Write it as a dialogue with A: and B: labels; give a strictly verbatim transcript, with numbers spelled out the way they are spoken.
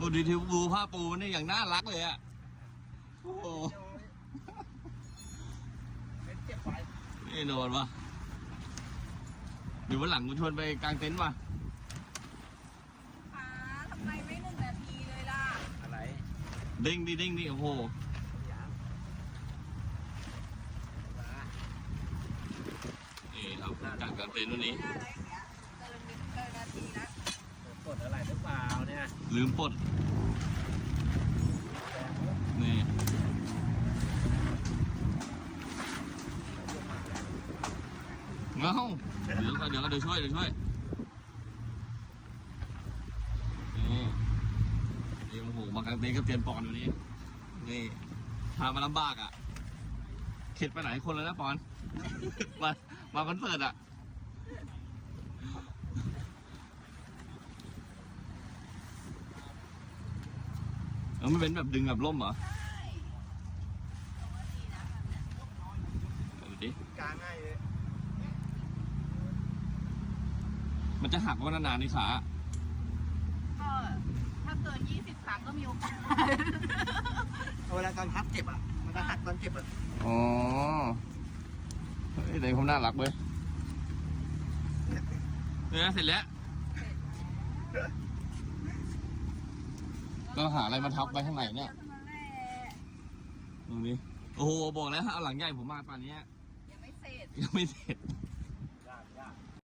A: ดูดิทิวดูผ้าปูนี่อย่างน่ารักเลยอะโอ้โห
B: เจ็บไป
A: นี่นอนวะอยู่วันหลังกูชวนไปกางเต็นท์ว่ะ
C: ป้าทำไมไม่หนึ่งนาทีเลยล่ะ
B: อะไร
A: เด้งดิเด้งดิโอ้โหนี่ครับกางกางเต็นท์วันนี้
C: ได้อะไรอย่างเงี้ยเกินเกินนาทีนะ
B: กดอะไรหรือเปล่าเนี่ย
A: ลืมปลดนี่เงาเดี๋ยวเดี๋ยวเดี๋ยวช่วยเดี๋ยวช่วยนี่นี่โอ้โหมากางเต็นท์ก็เตรียมปอนวันนี้นี่พามาลำบากอ่ะเข็ดไปไหนคนแล้วนะปอน มามาคอนเสิร์ตอ่ะเออไม่เป็นแบบดึงแบบล่มเหรอดูดิ
B: กลางง่ายเลย
A: มันจะหักว่านานๆในขา
C: ก็ถ้าเกินยี่สิบครั้งก็มีโอกาส
B: เวลาการพับเจ็บอ่ะมันจะหักตอนเจ็บอ่ะ
A: อ๋อเฮ้ยแต่ผมน่ารักเว้ยเนี่ยเสร็จแล้วก็หาอะไรมาทับไว้ข้างในเนี่ยตรงนี้โอ้โหบอกแล้วเอาหลังใหญ่ผมมาป่านนี้
C: ยังไม่เสร็จ
A: ยังไม่เสร็จ